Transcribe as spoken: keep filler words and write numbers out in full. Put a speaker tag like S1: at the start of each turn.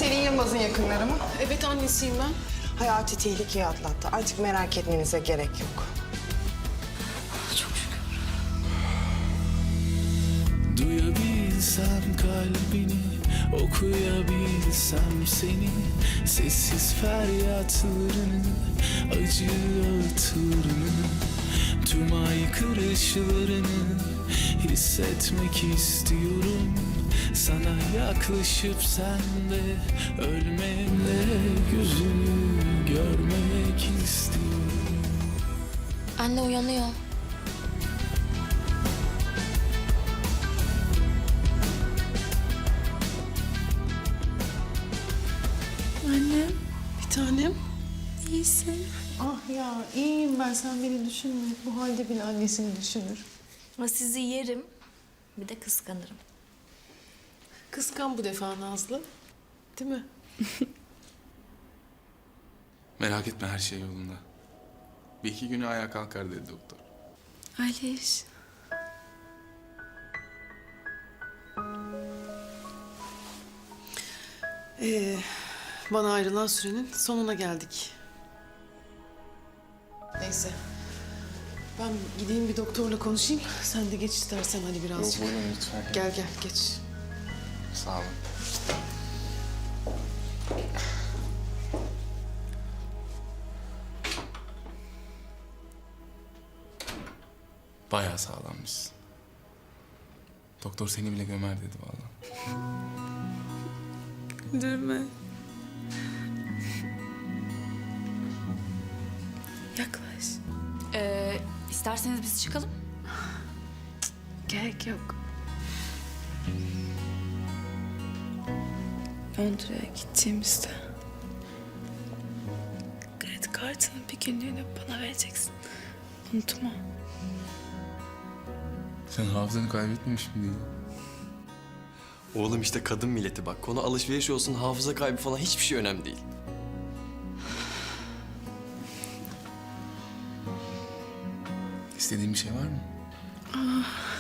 S1: Pelin Yılmaz'ın yakınları mı?
S2: Evet, annesiyim ben.
S1: Hayati tehlikeyi atlattı. Artık merak etmenize gerek yok.
S2: Çok şükür.
S3: Duyabilsem kalbini, okuyabilsem seni, sessiz feryatlarını, acı ağıtlarını, tüm aykırışlarını hissetmek istiyorum. Sana yaklaşıp sen de ölmemle gözünü görmek istiyorum.
S4: Anne uyanıyor.
S2: Annem. Bir tanem.
S4: İyisin.
S5: Ah ya iyiyim ben, sen beni düşünme. Bu halde bile annesini düşünür.
S4: Ama sizi yerim. Bir de kıskanırım.
S2: Kıskan bu defa Nazlı. Değil mi?
S3: Merak etme, her şey yolunda. Bir iki güne ayağa kalkar dedi doktor.
S4: Aliş.
S2: Ee, bana ayrılan sürenin sonuna geldik. Neyse. Ben gideyim bir doktorla konuşayım. Sen de geç istersen hani birazcık.
S3: Buyurun lütfen.
S2: Gel gel geç.
S3: Sağ olun. Bayağı sağlammışsın. Doktor seni bile gömer dedi vallahi.
S4: Güldürme. Yaklaş.
S6: Ee, isterseniz biz çıkalım.
S4: Gerek yok. Londra'ya gideceğimizde kredi kartının bir günlüğünü bana vereceksin. Unutma.
S3: Sen hafızanı kaybetmemiş miydin?
S7: Oğlum işte kadın milleti bak. Konu alışveriş olsun, hafıza kaybı falan hiçbir şey önemli değil.
S3: İstediğin bir şey var mı?
S4: Ah,